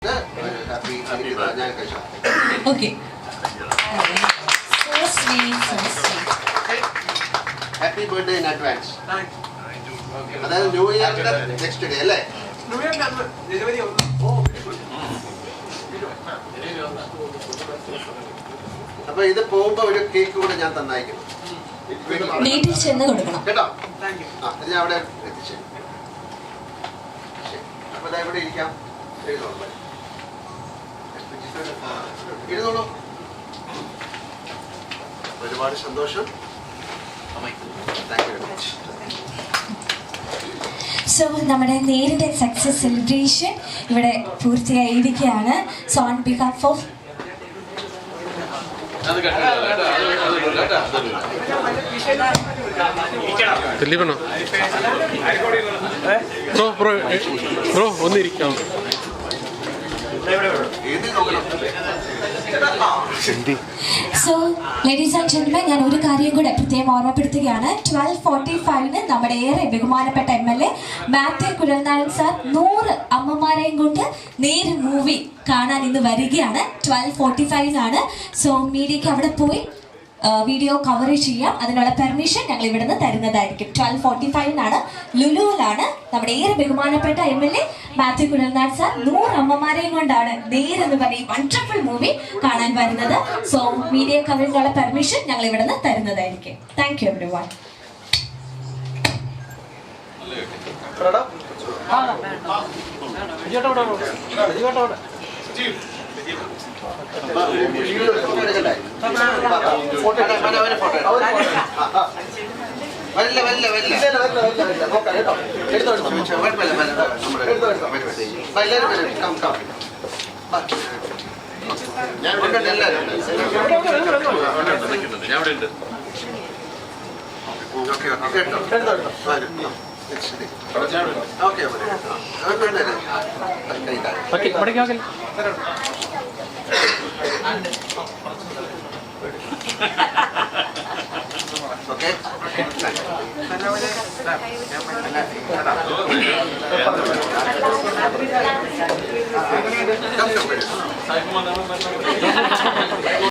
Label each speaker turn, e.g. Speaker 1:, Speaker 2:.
Speaker 1: Okay. So sweet, so sweet.
Speaker 2: Happy birthday in advance. Thanks. അതായത് new ഇയറിന്റെ next day അല്ലേ? New ഇയറിന്റെ ജനുവരി 1. ഓ, അപ്പൊ ഇത് പോകുമ്പോ ഒരു കേക്ക് കൂടെ ഞാൻ തന്നയക്കണം.
Speaker 1: വീട്ടിൽ ചെന്ന് കൊടുക്കണം
Speaker 2: കേട്ടോ? ആ, ഇത് ഞാൻ അവിടെ എത്തിച്ചു. അപ്പൊ ഇതാ ഇവിടെ ഇരിക്കാം. ഇരുന്നോളൂ. ഒരുപാട് സന്തോഷം. Thank you very much.
Speaker 1: So നമ്മുടെ നേരിന്റെ സക്സസ് സെലിബ്രേഷൻ ഇവിടെ പൂർത്തിയായിരിക്കുകയാണ്. So on behalf of
Speaker 3: bro ഒന്നിരിക്കാം.
Speaker 1: സോ ലേഡീസ് ആൻഡ് ജെന്റിൽമെൻ, ഞാൻ ഒരു കാര്യം കൂടെ പ്രത്യേകം ഓർമ്മപ്പെടുത്തുകയാണ്. 12:45 നമ്മുടെ ഏറെ ബഹുമാനപ്പെട്ട MLA മാത്യു കുഴൽനാടൻ സാർ 100 അമ്മമാരെയും കൊണ്ട് നേര് മൂവി കാണാൻ ഇന്ന് വരികയാണ്. 12:45 സോ മീഡിയക്ക് അവിടെ പോയി വീഡിയോ കവറേജ് ചെയ്യാം. അതിനുള്ള പെർമിഷൻ ഞങ്ങൾ ഇവിടെ നിന്ന് തരുന്നതായിരിക്കും. 12:45 ലുലുവിലാണ് നമ്മുടെ ഏറെ ബഹുമാനപ്പെട്ട MLA മാത്യു കുഴൽനാട് സാർ 100 അമ്മമാരെയും കൊണ്ടാണ് നേരെന്ന് പറയും വണ്ടർഫുൾ മൂവി കാണാൻ വരുന്നത്. സോ മീഡിയ കവറേജിനുള്ള പെർമിഷൻ ഞങ്ങൾ ഇവിടെ നിന്ന് തരുന്നതായിരിക്കും. Thank you everyone.
Speaker 2: Okay.